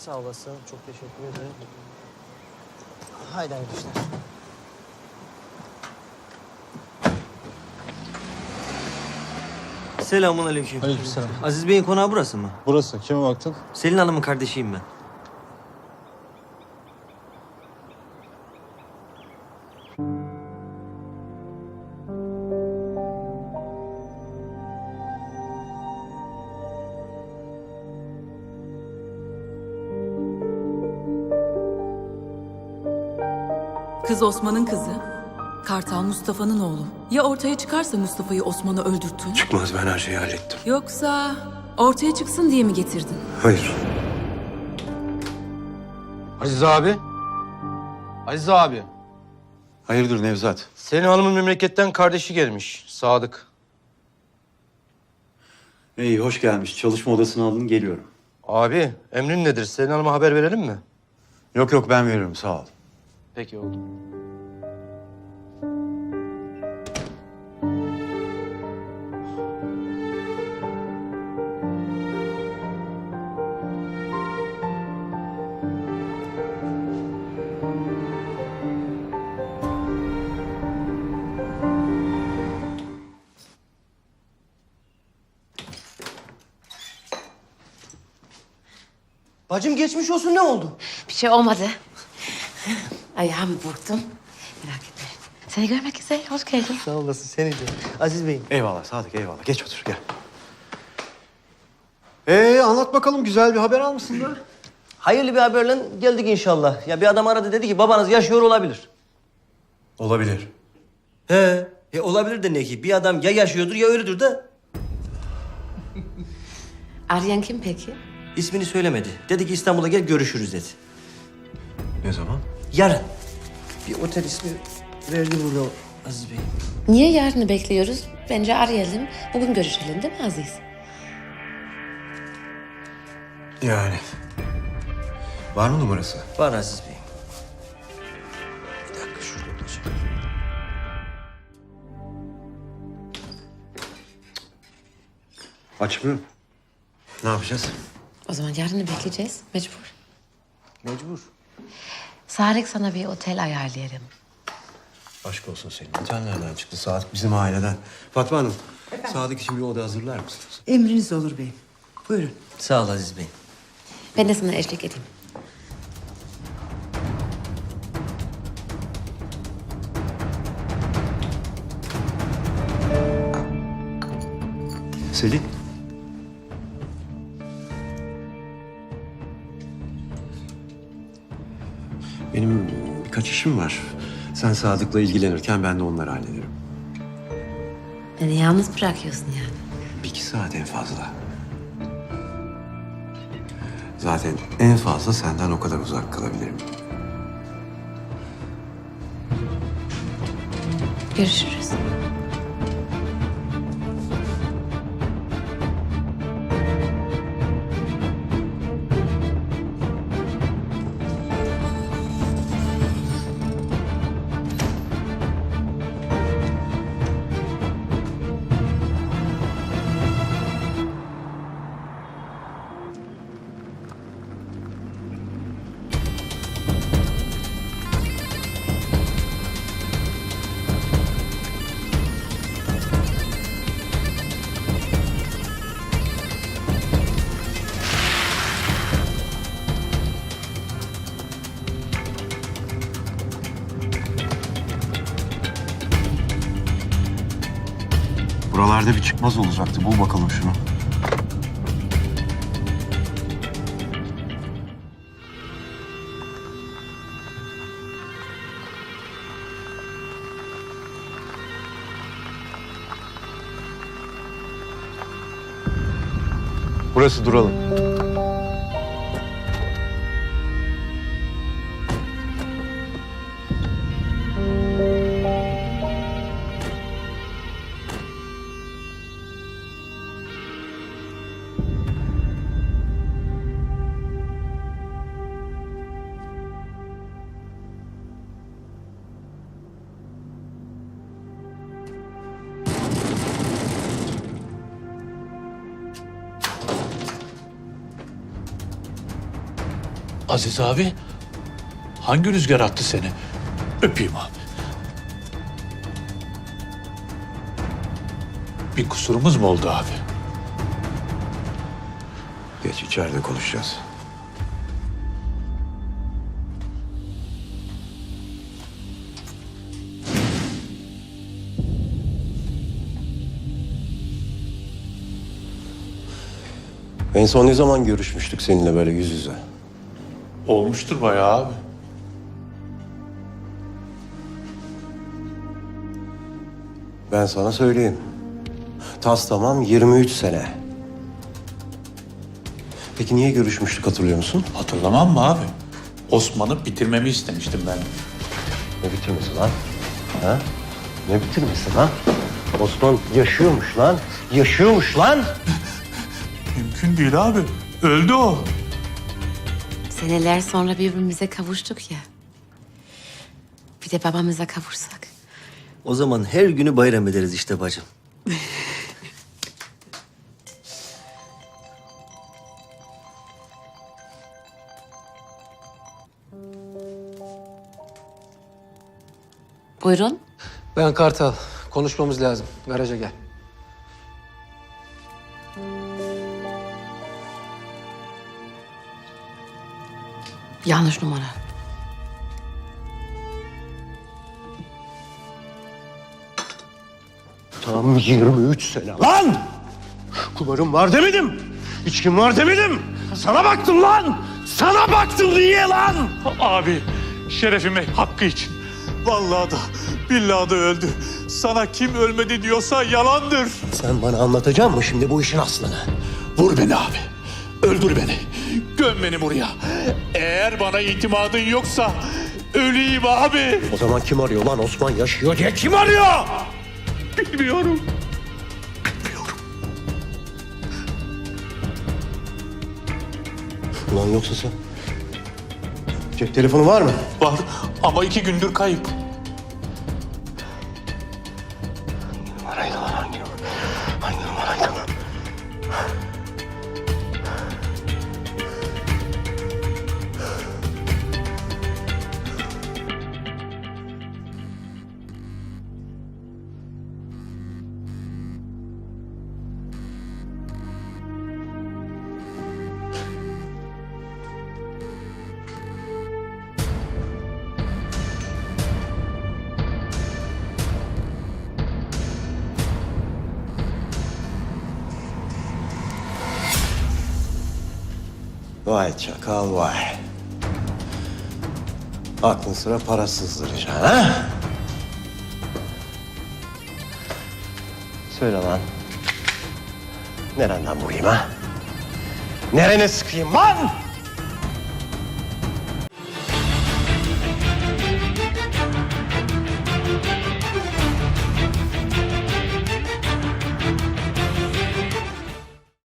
Sağ olasın. Çok teşekkür ederim. Haydi hayırlı işler. Selamun aleyküm. Aleykümselam. Aziz Bey'in konağı burası mı? Burası. Kime baktın? Selin Hanım'ın kardeşiyim ben. Kız Osman'ın kızı. Kartal Mustafa'nın oğlu. Ya ortaya çıkarsa Mustafa'yı Osman'a öldürttün? Çıkmaz, ben her şeyi hallettim. Yoksa ortaya çıksın diye mi getirdin? Hayır. Aziz abi. Aziz abi. Hayırdır Nevzat? Senin hanımın memleketten kardeşi gelmiş. Sadık. İyi, hoş gelmiş. Çalışma odasına alın, geliyorum. Abi emrin nedir? Senin hanıma haber verelim mi? Yok yok, ben veririm, sağ ol. Peki oldu. Bacım geçmiş olsun, ne oldu? Bir şey olmadı. Ayağımı burktum. Merak etme. Seni görmek güzel. Hoş geldin. Sağ olasın, seni de. Aziz Bey'im. Eyvallah Sadık, eyvallah. Geç otur, gel. Anlat bakalım, güzel bir haber almışsın da. Hayırlı bir haberle geldik inşallah. Ya bir adam aradı, dedi ki babanız yaşıyor olabilir. Olabilir. Olabilir de ne ki? Bir adam ya yaşıyordur ya ölüdür de. Arayan kim peki? İsmini söylemedi. Dedi ki İstanbul'a gel görüşürüz dedi. Ne zaman? Yarın. Bir otel ismi verdi burada Aziz Bey. Niye yarını bekliyoruz? Bence arayalım. Bugün görüşelim değil mi Aziz? Yani. Var mı numarası? Var Aziz Bey. Bir dakika şurada olacak. Açmıyor. Ne yapacağız? O zaman yarını bekleyeceğiz. Mecbur. Mecbur. Sadık sana bir otel ayarlayalım. Aşk olsun senin. Otel nereden çıktı? Sadık bizim aileden. Fatma Hanım, Sadık için bir oda hazırlar mısınız? Emriniz olur beyim. Buyurun. Sağ ol Aziz Bey. Ben de sana eşlik edeyim. Selin. Benim birkaç işim var. Sen Sadık'la ilgilenirken ben de onları hallederim. Beni yalnız bırakıyorsun yani. Bir iki saat en fazla. Zaten en fazla senden o kadar uzak kalabilirim. Görüşürüz. Buralarda bir çıkmaz olacaktı. Bul bakalım şunu. Burası, duralım. Aziz abi, hangi rüzgar attı seni? Öpeyim abi. Bir kusurumuz mu oldu abi? Geç içeride konuşacağız. En son ne zaman görüşmüştük seninle böyle yüz yüze? Olmuştur bayağı abi. Ben sana söyleyeyim. Tas tamam 23 sene. Peki niye görüşmüştük hatırlıyor musun? Hatırlamam mı abi? Osman'ı bitirmemi istemiştim ben. Ne bitirmesi lan? Ha? Ne bitirmesi lan? Osman yaşıyormuş lan. Yaşıyormuş lan. Mümkün değil abi. Öldü o. Seneler sonra birbirimize kavuştuk ya. Bir de babamıza kavuşsak. O zaman her günü bayram ederiz işte bacım. Buyurun. Ben Kartal. Konuşmamız lazım. Garaja gel. Yanlış numara. Tam 23 sene lan! Kumarım var demedim. İçkim var demedim. Sana baktım lan! Sana baktım niye lan? Abi, şerefime hakkı için. Vallahi da, billahi da öldü. Sana kim ölmedi diyorsa yalandır. Sen bana anlatacak mısın şimdi bu işin aslını? Vur beni abi. Öldür beni. Göm beni buraya. Eğer bana itimadın yoksa öleyim abi. O zaman kim arıyor lan Osman yaşıyor diye kim arıyor? Bilmiyorum. Ulan yoksa sen... Cep telefonu var mı? Var ama 2 gündür kayıp. Numaraydı lan hangi numara? Hangi numaraydı lan? Vay çakal vay. Aklın sıra para sızdıracaksın ha? Söyle lan. Nereden vurayım ha? Nerene sıkayım lan?